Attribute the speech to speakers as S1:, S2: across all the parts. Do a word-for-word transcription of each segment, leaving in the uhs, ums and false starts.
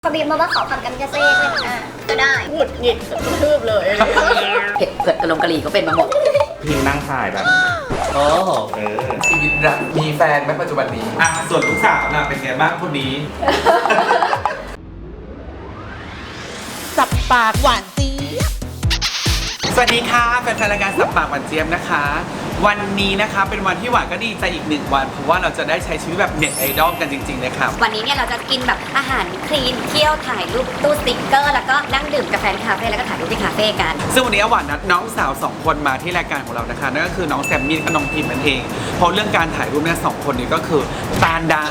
S1: เขาบีบมาว่าขอคำกันกระเซ่เลยอ่ะก็ได้หงุดหงิดกระทืบเลย
S2: เผ็ดเผ็ดกระลงกะหรี่ก็เป็นมาหมด
S3: พิงนั่งถ่ายแบบโอ้เออ
S4: ชีวิตรักมีแฟนไหมปัจจุบันนี้
S3: อ่ะส่วนลูกสาวน่ะเป็นไงบ้างคนนี้
S5: สับปากหวานจี๊ด
S4: สวัสดีค่ะแฟนๆรายการสับปากหวานเจี๊ยบนะคะ วันนี้นะคะเป็นวันที่หวานก็ดีใจอีกหนึ่งวันเพราะว่าเราจะได้ใช้ชีวิตแบบเน็ตไอดอลกันจริงๆเลยค่ะ
S2: วันนี้เนี่ยเราจะกินแบบอาหารคลีนเที่ยวถ่ายรูปตู้สติ๊กเกอร์แล้วก็นั่งดื่มกาแฟที่คาเฟ่แล้วก็ถ่ายรูปที่คาเฟ่กัน
S4: ซึ่งวันนี้หวานนัดน้องสาวสองคนมาที่รายการของเรานะคะนั่นก็คือน้องแซมมี่และน้องพิมนั่นเองเพราะเรื่องการถ่ายรูปเนี่ยสองคนนี้ก็คือตาลได้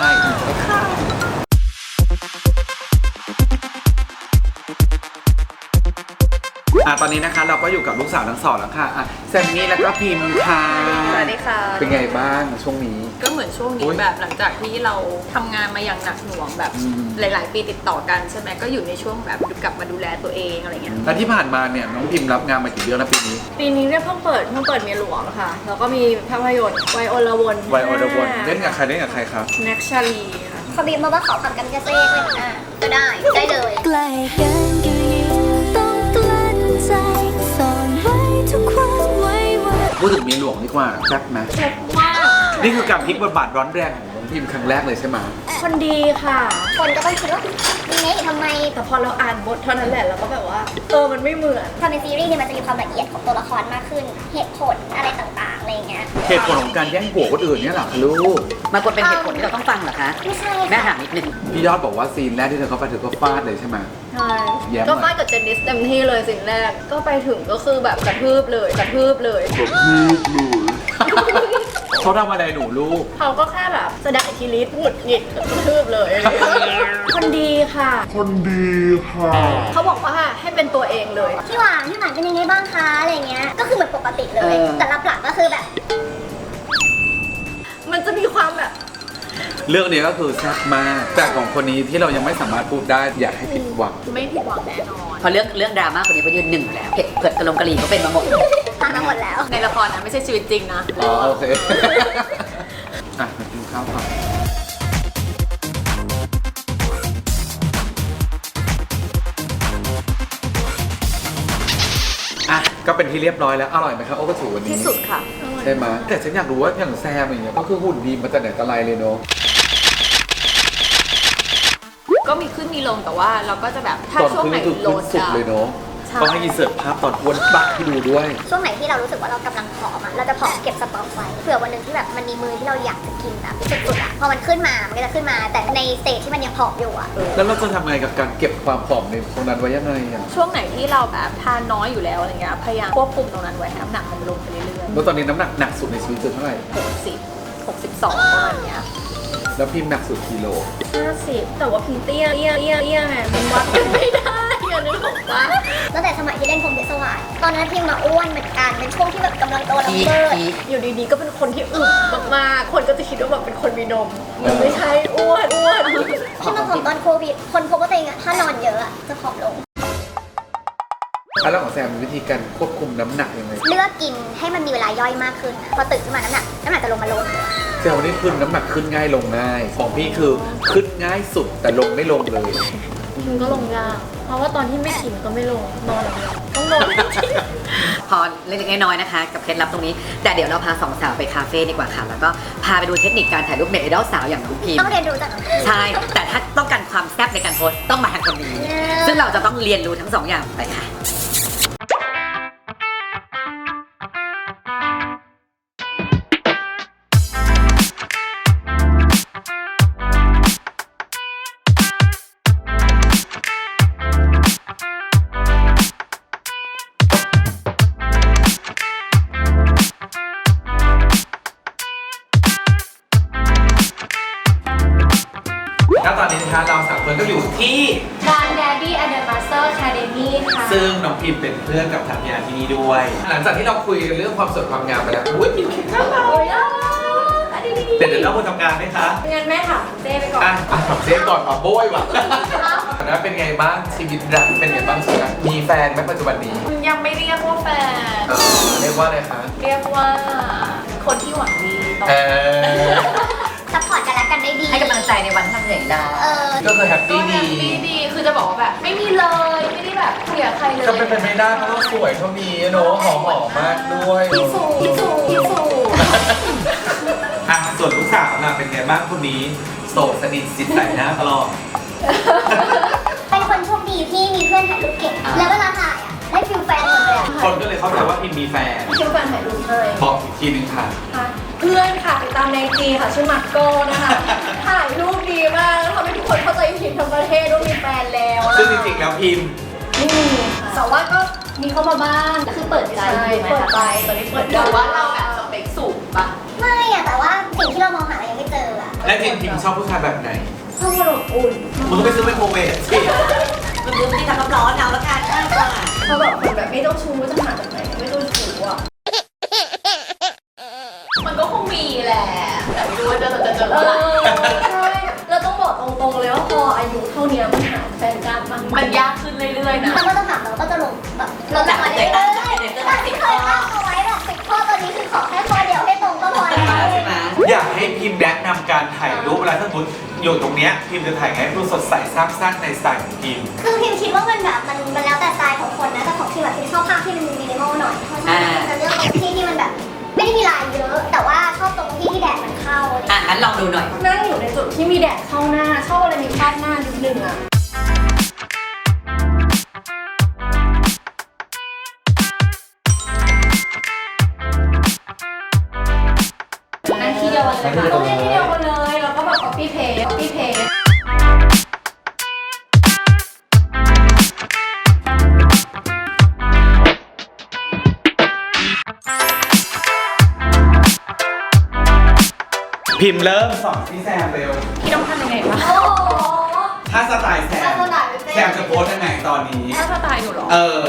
S4: อ่ะตอนนี้นะคะเราก็อยู่กับลูกสาวทั้งสองแล้วค่ะอ่ะแซมมี่แล้วก็พิมค่ะ
S5: สวัสดีค่ะ
S4: เป็นไงบ้างช่วงนี้
S5: ก็เหมือนช่วงนี้แบบหลังจากที่เราทำงานมาอย่างหนักหน่วงแบบหลายๆปีติดต่อกันใช่ไหมก็อยู่ในช่วงแบบกลับมาดูแลตัวเองอะไรเงี้ย
S4: แล้วที่ผ่านมาเนี่ยน้องพิมรับงานมากี่เดือนแล้วปีนี้
S5: ปีนี้เนี่ยเพิ่งเปิดเพิ่งเปิดเมียหลวงค่ะแล้วก็มีภาพยนตร์ไวโอลวน
S4: ไวโอลวนเล่นกับใครเล่นกับใครครับ
S5: แน็กชาลีค่ะ
S1: เขาบีบมาว่าขอคำกันกระเซ่เลยอ่ะก็ได้ได้เลย
S6: ใกล้กันก็ยิ่งต้องกลั้นใจซ่อนไว้ทุกความไว้วัน
S4: พูดถึงเมียหลวงดีกว่าแซ่บไหม
S5: แซ่บมาก
S4: นี่คือการพลิกบทบาทร้อนแรงของน้องพิมครั้งแรกเลยใช่ไหม
S5: คนดีค่ะ
S1: คนก็ต้องคิดว่ายังไงทำไม
S5: แต่พอเราอ่านบทเท่านั้นแหละเราก็แบบว่าเออมันไม่เหมือน
S1: พอในซีรีส์เนี่ยมันจะมีความละเอียดของตัวละครมากขึ้นเหตุผลอะไรต่างๆอะไรเงี้ย
S4: เหตุผลของการแย่งผัวคนอื่นเนี่ยหรอลูก
S2: มันควรเป็นเหตุผลที่เราต้องฟังเหรอคะ
S1: ไม่ใช่
S2: แม่ถามนิดนึง
S4: พี่ยอดบอกว่าซีนแรกที่เธอเข้าไปเธอก็ฟาดเลยใช่ไหม
S5: ใช่ก็ฟาดกับเจนนิสเต็มที่เลยสิ่งแรกก็ไปถึงก็คือแบบกระทืบเลยกระทืบเลยกระทืบ
S4: เลยเขาทำอะไรหนูลูก
S5: เขาก็แค่แบบแสดงอิทธิฤทธิ์หงุดหงิดกระทืบเลยคนดีค่ะ
S4: คนดีค่ะ
S5: เขาบอกว่าให้เป็นตัวเองเลย
S1: พี่หวานพี่หวานเป็นยังไงบ้างคะอะไรเงี้ยก็คือเหมือนปกติเลยแต่รับหลังก็คือแบบ
S5: มันจะมีความแบบ
S4: เรื่องนี้ก็คือแซ่บมากแต่ของคนนี้ที่เรายังไม่สามารถพูดได้อยากให้ผิดหวัง
S5: ไม่ผิดหวังแน่นอน
S2: พอเรื่องเรื่องดราม่าคนนี้เขายืนหนึ่งอยู่แล้วเผ็ดเผ็ดกระลงกะหรี่ก็เป็นมาหมด
S1: ผ่านมาหมดแล้ว
S5: ในละครนะไม่ใช่ชีวิตจริงนะ
S4: อ๋อโอเคอ่ะมากินข้าวก่อนอ่ะก็เป็นที่เรียบร้อยแล้วอร่อยไหมครับโอ้กระถูวันนี้
S5: ที่สุดค่ะ
S4: ใช่ไหมแต่ฉันอยากรู้ว่าอย่างแซมอย่างเงี้ยก็คือหุ่นดีมาแต่ไหนแต่ไรเลยเนาะ
S5: ก็มีขึ้นมีลงแต่ว่าเราก็จะแบบถ้าช่วงไหนโลด
S4: สุดเลยเนาะก็ให้อินเสิร์ตภาพตอนอ้วนปักให้ดูด้วย
S1: ช่วงไหนที่เรารู้สึกว่าเรากำลังผอมอ่ะเราจะผอมเก็บสต็อกไว้เผื่อวันหนึ่งที่แบบมันมีมือที่เราอยากจะกินแบบสุดๆอ่ะพอมันขึ้นมามันก็จะขึ้นมาแต่ในสเตจที่มันยังผอมอยู่อ่ะ
S4: แล้วเราจะทำไงกับการเก็บความผอมในตรงนั้นไว้ยังไงอ่ะ
S5: ช่วงไหนที่เราแบบทานน้อยอยู่แล้วอะไรเงี้ยพยายามควบคุมตรงนั้นไว้ให้น้ำหนักมันลงไปเรื่อยๆ
S4: แล้วตอนนี้น้ำหนักหนักสุดในชีวิตคือเท่าไหร่
S5: หกสิบ หกสิบสองประมาณเนี้ย
S4: แล้วพิมพ์หนักสุดกิโล
S5: ห้าสิบแต่ว่าพิมพ์เตี้ยเตี้ยเตี้ยเตี้ยไงมันวัดกันไม่ได้อย่านึกออกปะ
S1: ตั้งแต่สมัยที่เล่นพรหมเดชสวาสตอนนั้นพิมพ์มาอ้วนเหมือนกันเป็นช่วงที่แบบกำลังโตแล้วเบิร์
S5: อยู่ดีๆก็เป็นคนที่อึมากๆคนก็จะคิดว่าแบบเป็นคนมีนมมันไม่ใช่อ้วนอ้วน
S1: ที่มาผอมตอนโควิดคนพบว่าตัวเองอะถ้านอนเยอะอะจะผอมลง
S4: แล้วของแซมมีวิธีการควบคุมน้ำหนักยังไง
S1: เลือกกินให้มันมีเวลาย่อยมากขึ้นพอตื่นขึ้นมาน้ำหนักน้ำหนักจะลงมาลง
S4: แซมวันนี้ขึ้นน้ำหนักขึ้นง่ายลงง่ายของพี่คือขึ้นง่ายสุดแต่ลงไม่ลงเลย
S5: มันก็ลงยากเพราะว่าตอนที่ไม่กินก็ไม่ลงนอนอย่างเดียวต้องลง
S2: พอเล็กๆน้อยๆนะคะกับเคล็ดลับตรงนี้แต่เดี๋ยวเราพาสองสาวไปคาเฟ่ดีกว่าค่ะแล้วก็พาไปดูเทคนิคการถ่ายรูปเน็ตไอดอลสาวอย่างน้องพิม
S1: ต้องเรียนรู้จาก
S2: ใช่แต่ถ้าต้องการความแซ่บในการโพสต้องมาทางคนนี้ซึ่งเราจะต้องเรียนรู้ทั้งสองอย่างไปค่ะ
S4: แล้วตอนนี้นะคะเราสามคนก็อยู่ที่
S5: ร้าน Daddy and the Master Academy ค่ะ
S4: ซึ่งน้องพิมเป็นเพื่อนกับทางยาที่นี่ด้วยหลังจากที่เราคุยกันเรื่องความสวยความงามไปแล้วอุ้ยพิมคิดข้าวเราเดี๋ยวเดี๋ยวเราคนทำงานไหมคะ
S5: งั้นแม่ถามเจ๊ไปก่อน
S4: อ่ะถามเจ๊ก่อนอ่ะโบ้ยว่ะแล้วเป็นไงบ้างชีวิตรักเป็นไงบ้างชีวิตมีแฟนไหมปัจจุบันนี้
S5: ยังไม่เรียกว่าแฟน
S4: เรียกว่าอะไรคะ
S5: เรียกว่าคนที่หวังดีต่อ
S1: ซัพพอร์ตกันและกันได้ดี
S2: ให้กำลังใจในวันที่ทำเสียงดาว
S1: เออ
S4: ก็คือแฮป
S5: ก็
S4: ปี้
S5: แฮ
S4: ดี
S5: ปปี้ดี คือจะบอกว่าแบบไม่มีเลย ไม่ได้แบบคุยกับใครเลย
S4: ก็เป็นไปไม่ได้เพราะเราสวยเท่านี้เนอะหอมหอมมากด้วย
S5: พี่สูพี่สูพี่สู
S3: อ่ะส่วนลูกสาวน่ะเป็นไงบ้างคนนี้โสดสนิทสิทธิ์ใส่หน้าตลอด
S1: เป็นคนโชคดีที่มีเพื่อนถ่ายรูปเก่ง แล้วเวลาถ่ายอ่ะได้ฟิลแฟนหมดเลยอ่ะ
S3: คนก็เลยเข้าใจว่าพิมมีแฟน
S5: ชื่อแฟนถ่ายรูปให้
S3: บอกอีกทีนึงค่ะ
S5: ค่ะเพื่อนค่ะติดตามในจีค่ะชื่อมาร์โก้นะคะ ถ่ายรูปดีมากแล้วทำให้ทุกคนเข้าใจผิดทั้งประเทศว่ามีแฟนแล้วนะ
S3: ซึ่งจริงๆแล้วพิม
S5: ไม่มีค่ะแต่ว่าก็มีเข้ามาบ้าง
S1: คือเปิดใจ
S5: ใช่เปิดใจตอนนี้เปิดใจว่าเราแบบสเปคสูงปะ
S1: ไม่อะแต่ว่าสิ่งที่เรามองหาเรายังไม่เจออะ
S3: และพิมพิมชอบผู้ชายแบบไหน
S1: ชอบอบอุ่น
S3: มึงก็ไปซื้อไมโครเวฟสิ
S2: มันลืมที่ทำน้ำร้อนเอาแล้วกันง่ายกว่า
S5: เขาแบบคนแบบไม่ต้องชูจะหาจากไหนไม่ต้องชูอ่ะมันก็คงมีแหละแต่ไม่รู้ว่าจะจะเจอเมื่อไหร่ใช่เราต้องบอกตรงๆเลยว่าพออายุเท่านี้มันหาแฟนยากมากมันยากขึ้นเรื่อยๆนะ
S1: มันก็จะถามเราก็จะลงแบบลงจากมาเรื่อยๆจากที่เคยตั้งเอาไว้แบบสิบข้อตอนนี้คือขอแค่ข้อเดียวให้ตรงก็พอแล้ว
S2: ใช่ไหม
S3: อยากให้พิมแนะนำการถ่ายรูปเวลาถ้าสมมติอยู่ตรงเนี้ยพิมจะถ่ายไงให้ดูสดใสซาบซ่านในสไตล์ของพิม
S1: คือพิมคิดว่ามันแบบมันมันแล้วแต่สไตล์ของคนนะแต่ของพิมแบบพิมชอบภาพที่มันมินิมอลหน่อยเพราะฉะนั้นพิมจะเลือกตรงที่ที่มันแบบไม่ได้มีลายเยอะ แต่ว่าชอบตรงที่ที่แดดมันเข้า
S2: อ่ะงั้นลองดูหน่อย
S5: นั่งอยู่ในจุดที่มีแดดเข้าหน้าชอบอะไรมีคาดหน้านิดนึงอ่ะนั่งที่เดียวกันเลยค่ะต้องเล่นที่เดียวกันเลยแล้วก็แบบ copy paste copy paste
S3: พิมเริ่มสอนพี่แซมเร็ว
S5: พี่ต้องทำยังไงวะ
S1: โอ้โห
S3: ถ้าสไตล์แซม
S1: ถ้าสไตล์เป็นแซม
S3: แซมจะโพสยังไงตอนนี้
S5: ถ้าสไตล์หนูเหรอ
S3: เออ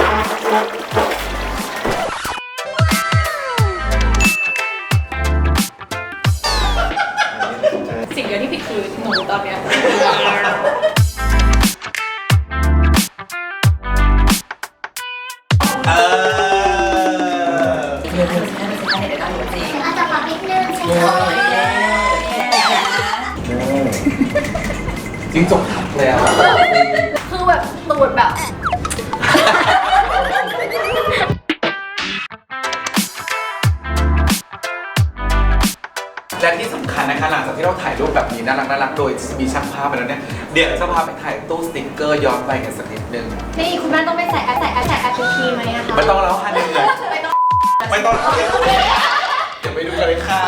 S5: สิ่งเดียวที่ผิดคือหนูตอนเนี้ย
S3: เออ
S2: เดี๋ยวเดี๋ยวฉันจะให้เดี๋ยวได้จริง
S1: อาจจะปรับนิดนึงใช่
S2: โอ้
S1: ไหม
S2: ย
S3: จริงจบเลยอ่ะ
S5: คือแบบตูดแบบ
S4: และที่สำคัญนะคะหลังจากที่เราถ่ายรูปแบบนี้น่ารักน่ารักโดยมีช่างภาพไปแล้วเนี่ยเดี๋ยวจะพาไปถ่ายตู้สติ๊กเกอร์ย้อนไปกันสักนิดนึง
S5: นี่คุณแม่ต้องไปใส่แอปใส่แอปใส่แอปพีไหมอะคะ
S4: ไม่ต้องแล้วค่ะเหนื่อย
S5: ไม่ต้อง
S4: ไม่ต้องเดี๋ยวไปดูกันเลยค่ะ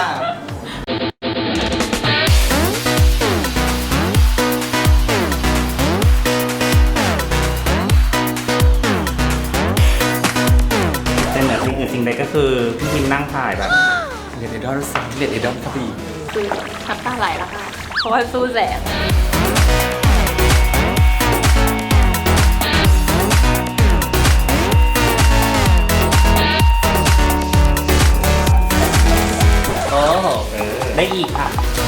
S3: แต่เหนือสิ่งอื่นสิ่งใดก็คือพี่พิมนั่งถ่ายแบบ
S4: เน็ตไอดอลสามเน็ตไอดอลกระบี่
S5: คือทับตาไหลแล้วค่ะ เพราะว่าสู้แสง
S3: โอ้เออได้อีกค่ะ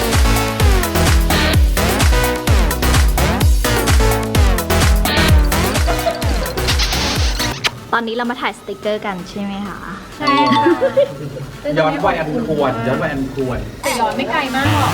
S7: ตอนนี้เรามาถ่ายสติกเกอร์กันใช่ไหมคะ
S5: ใช่ค่ะ
S4: ย้อนวัยอันควรย้อนวัยอันควร
S5: แต่ย้อนไม่ไกลมากหรอก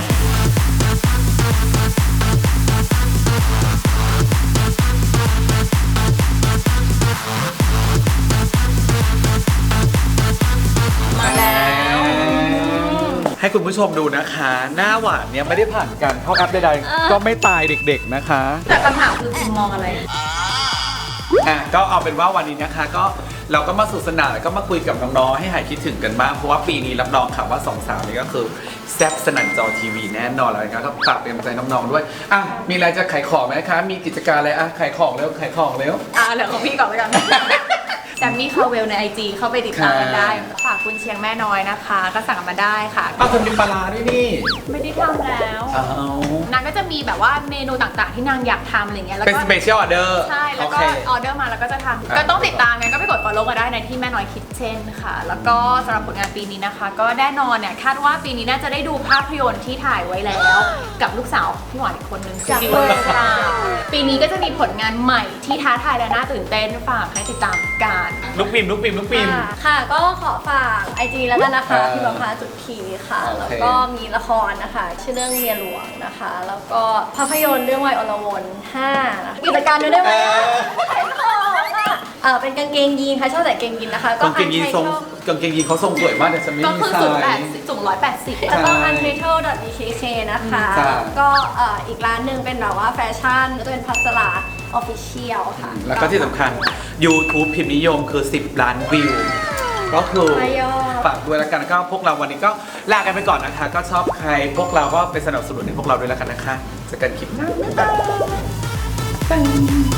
S4: มาแล้ว ให้คุณผู้ชมดูนะคะ หน้าหวานเนี่ยไม่ได้ผ่านการเข้าแอปใดๆก็ไม่ตายเด็กๆนะคะ
S5: แต่คำถามคือคุณมองอะไร
S4: อ่ะก็เอาเป็นว่าวันนี้นะคะก็เราก็มาสนุขสนานแล้วก็มาคุยกับน้องๆให้หายคิดถึงกันบ้างเพราะว่าปีนี้รับรองค่ะว่าสองสาวนี้ก็คือแซ่บสนั่นจอทีวีแน่นอนแล้วนะครับฝากเป็นกำลังใจน้องๆด้วยอ่ะมีอะไรจะขายของไหมคะมีกิจการอะไรอ่ะขายของเร็วขายของเร็ว
S5: อ่าเหลือของพี่ก่อนไปกัน แซมมี่คาเวลในไอจีเข้าไปติดตามกันได้ ฝากคุณเชียงแม่น้อยนะคะ ก็สั่งมาได้ค่ะ
S4: ป้าคนมีปลาร้าด้วยนี่
S5: ไม่ได้ทำแล้ว
S4: อ้าวน
S5: างก็จะมีแบบว่าเมนูต่างๆ ที่นางอยากทำอะไรเงี้ยแล้ว
S4: เป็น
S5: ก็
S4: สเปเชียลออเดอร์
S5: ใช่ แล้วก็
S4: โอเค
S5: ออเดอร์มาแล้วก็จะทำ
S4: อ่ะ
S5: ก็ต้องติดตามกันก็ไปกด follow กันได้ในที่แม่น้อยคิทเช่นค่ะ แล้วก็สำหรับผลงานปีนี้นะคะ ก็แน่นอนเนี่ยคาดว่าปีนี้น่าจะได้ดูภาพยนตร์ที่ถ่ายไว้แล้ว กับลูกสาวพี่หวานอีกคนนึงจากเวอร์ค่ะปีนี้ก็จะมีผลงานใหม่ที่ท้าทายและน่าตื่นเต้นฝากให้ติดตามกัน
S4: ลูกพิมพ์ลูกพิมพ์ลูกพิมพ์
S8: ค่ะค่ะก็ขอฝากไอจีแล้วกันนะคะ
S4: อ่า
S8: พิมพ์พาจุดขีค่ะ
S4: โอเค
S8: แล้วก็มีละครนะคะ ชื่อเรื่องเมียหลวงนะคะ แล้วก็ภาพยนตร์เรื่องวัยอรวนห้านะคะกิจการด้วยได้ไหมอ่ะขายของอ่ะเออเป็นกางเกงยีนค่ะชอบใส่กางเกงยีนนะคะ
S4: กางเกงยีนทรงกางเกงยีนเขาทรงสวยมากแต่ฉันไม่
S5: ก็
S4: มี
S5: คือ
S4: ไซ
S5: สูงแปด
S4: ส์
S5: สิบสูงร้อยแปดสิบ
S8: แล้วก็ untitled dot b k k นะคะ
S4: จ้ะ
S8: ก็เอ่ออีกร้านหนึ่งเป็นแบบว่าแฟชั่นก็จะเป็นพัสลา official ค่ะ
S4: แล้วก็ที่สำคัญ YouTube พิมพ์นิยมคือ สิบ ล้านวิว ก็คือ
S8: ไม่ยอม
S4: ฝากด้วยแล้วกันก็พวกเราวันนี้ก็ลากันไปก่อนนะคะ ก็ชอบใครพวกเราก็ไปสนับสนุนให้พวกเราด้วยแล้วกันนะคะเจอกันคลิปหน้าบ๊ายบาย